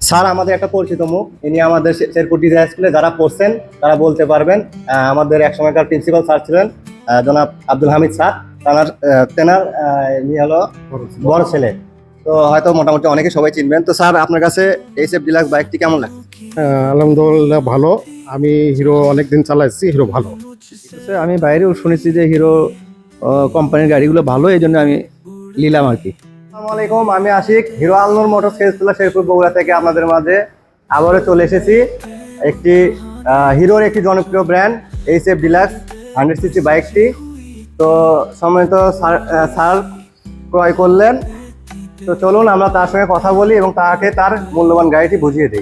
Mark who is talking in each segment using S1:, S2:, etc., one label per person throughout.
S1: Sir আমাদের একটা পরিচিত মুখ, ইনি আমাদের শেরপুর ডিজাইন স্কুলে যারা পড়ছেন তারা বলতে পারবেন। আমাদের এক সময়কার প্রিন্সিপাল স্যার ছিলেন জনাব আব্দুল হামিদ স্যার। তেনার ইনি হলো বড় ছেলে। তো হয়তো মোটামুটি অনেকে সবাই চিনবেন। তো স্যার আপনার কাছে এইচএফ ডিলাক্স বাইকটি কেমন লাগে?
S2: আলহামদুলিল্লাহ ভালো। আমি হিরো অনেকদিন চালাইছি, হিরো ভালো।
S3: আমি বাইরেও শুনেছি যে হিরো কোম্পানির গাড়িগুলো ভালো, এই জন্য আমি নিলাম আর কি।
S1: আসসালামু আলাইকুম, আমি আশিক, হিরো আলনুর মোটরস সেলসগুলো শেরপুর বগুড়া থেকে আপনাদের মাঝে আবারও চলে এসেছি। একটি হিরোর একটি জনপ্রিয় ব্র্যান্ড এইচএফ ডিলাক্স 100cc বাইকটি। তো সম্মানিত স্যার ক্রয় করলেন। তো চলুন আমরা তার সঙ্গে কথা বলি এবং তাকে তার মূল্যবান গাড়িটি বুঝিয়ে দিই।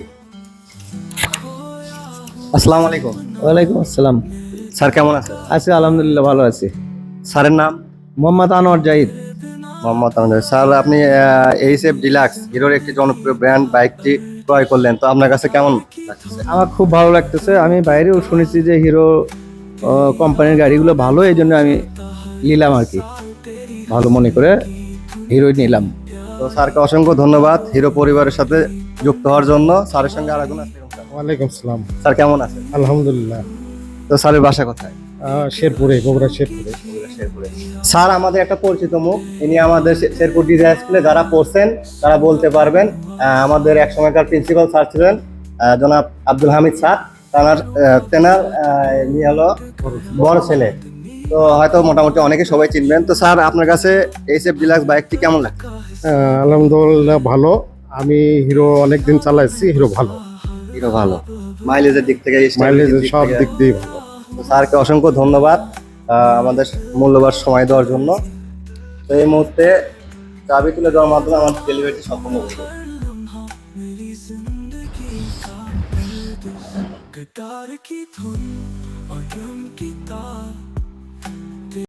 S1: আসসালামু আলাইকুম।
S3: ওয়ালাইকুম আসসালাম।
S1: স্যার কেমন আছেন?
S3: আছি আলহামদুলিল্লাহ, ভালো আছি।
S1: স্যারের নাম?
S3: মোহাম্মদ আনোয়ার জাহিদ।
S1: মোহাম্মদ আহমেদ। স্যার আপনি এইচএফ ডিলাক্স হিরোর একটি জনপ্রিয় ব্র্যান্ড বাইকটি ক্রয় করলেন, তো আপনার কাছে কেমন লাগছে?
S3: আমার খুব ভালো লাগতেছে। আমি বাইরেও শুনেছি যে হিরো কোম্পানির গাড়িগুলো ভালো, এই জন্য আমি নিলাম আর কি, ভালো মনে করে হিরোই নিলাম।
S1: তো স্যারকে অসংখ্য ধন্যবাদ হিরো পরিবারের সাথে যুক্ত হওয়ার জন্য। স্যারের সঙ্গে আরেকজন আছে।
S2: ওয়ালাইকুম সালাম।
S1: স্যার কেমন আছেন?
S2: আলহামদুলিল্লাহ।
S1: তো স্যারের বাসা কোথায়?
S2: শেরপুরে, বগুড়া শেরপুরে।
S1: শেরপুরে। স্যার আমাদের একটা পরিচিত মুখ, ইনি আমাদের শেরপুর ডিজাইন স্কুলে যারা পড়ছেন তারা বলতে পারবেন। আমাদের এক সময়কার প্রিন্সিপাল স্যার ছিলেন জনাব আব্দুল হামিদ স্যার। তেনার ইনি হলো বড় ছেলে। তো হয়তো মোটামুটি অনেকে সবাই চিনবেন। তো স্যার আপনার কাছে এইচএফ ডিলাক্স বাইকটি কেমন লাগে?
S2: আলহামদুলিল্লাহ ভালো। আমি হিরো অনেকদিন চালাইছি, হিরো ভালো।
S1: হিরো ভালো, মাইলেজের দিক থেকে,
S2: মাইলেজ সব দিক দিয়ে ভালো।
S1: তো স্যারকে অসংখ্য ধন্যবাদ আমাদের মূল্যবান সময় দেওয়ার জন্য। তো এই মুহূর্তে চাবি তুলে দেওয়ার মাধ্যমে আমাদের ডেলিভারিটি সম্পূর্ণ করবো।
S4: गिटार की धुन और ड्रम की तार